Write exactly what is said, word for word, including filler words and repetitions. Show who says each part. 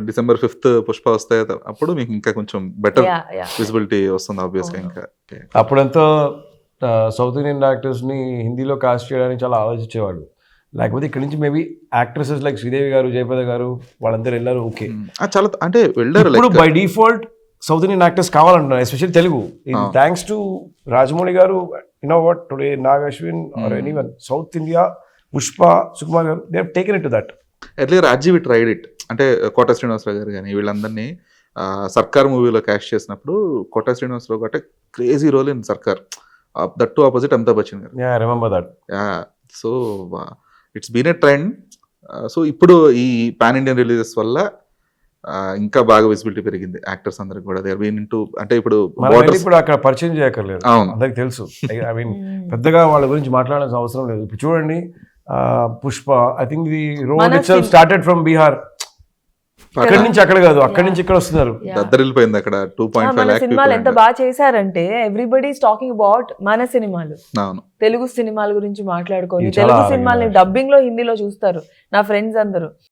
Speaker 1: December fifth Pushpa వస్తాయి అప్పుడు మీకు ఇంకా కొంచెం బెటర్
Speaker 2: Yeah, yeah.
Speaker 1: విజిబిలిటీ వస్తుంది ఆబ్వియస్గా ఇంకా.
Speaker 3: అప్పుడంతా సౌత్ ఇండియన్ యాక్టర్స్ని హిందీలో కాస్ట్ చేయడానికి చాలా ఆలోచించేవాళ్ళు. లేకపోతే ఇక్కడ నుంచి మేబీ యాక్ట్రెసెస్ లైక్ శ్రీదేవి గారు, జయప్రద గారు వాళ్ళందరూ వెళ్ళారు. ఓకే,
Speaker 1: చాలా అంటే వెళ్ళారు.
Speaker 3: ఇప్పుడు by default south Indian actors కావాలంటున్నారు, especially Telugu. Thanks to Rajamouli garu, you know what, today Nag Ashwin or anyone south India, Pushpa, Sukumar garu, they have taken it to that.
Speaker 1: Earlier Rajiv tried it, అంటే కోట శ్రీనివాసరావు గారు కానీ వీళ్ళందరినీ సర్కార్ మూవీలో క్యాష్ చేసినప్పుడు కోట శ్రీనివాసరావు అంటే crazy role in Sarkar, that too opposite Amitabh Bachchan garu.
Speaker 3: Yeah, remember that.
Speaker 1: Yeah, so it's been a trend. So ఇప్పుడు ఈ పాన్ ఇండియన్ రిలీజెస్ వల్ల ఇంకా బాగా విజిబిలిటీ పెరిగింది యాక్టర్స్ అందరికి కూడా. దే ఆర్ బీన్ ఇంటూ, అంటే ఇప్పుడు
Speaker 3: ఇప్పుడు అక్కడ పరిచయం చేయక్కర్లేదు, అందరికి తెలుసు. ఐ మీన్ పెద్దగా వాళ్ళ గురించి మాట్లాడాల్సిన అవసరం లేదు. ఇప్పుడు చూడండి Pushpa, I think the road itself started from Bihar. అక్కడి నుంచి అక్కడ కాదు, అక్కడి నుంచి ఇక్కడ వస్తున్నారు.
Speaker 1: దద్దరిల్లిపోయింది అక్కడ. టూ పాయింట్ ఫైవ్ లాక్
Speaker 2: సినిమాలు ఎంత బాగా చేశారంటే ఎవ్రీబడి ఈస్ టాకింగ్ అబౌట్ మన సినిమాలు, తెలుగు సినిమాల గురించి మాట్లాడుకొని తెలుగు సినిమాల్ని డబ్బింగ్ లో హిందీలో చూస్తారు నా ఫ్రెండ్స్ అందరూ.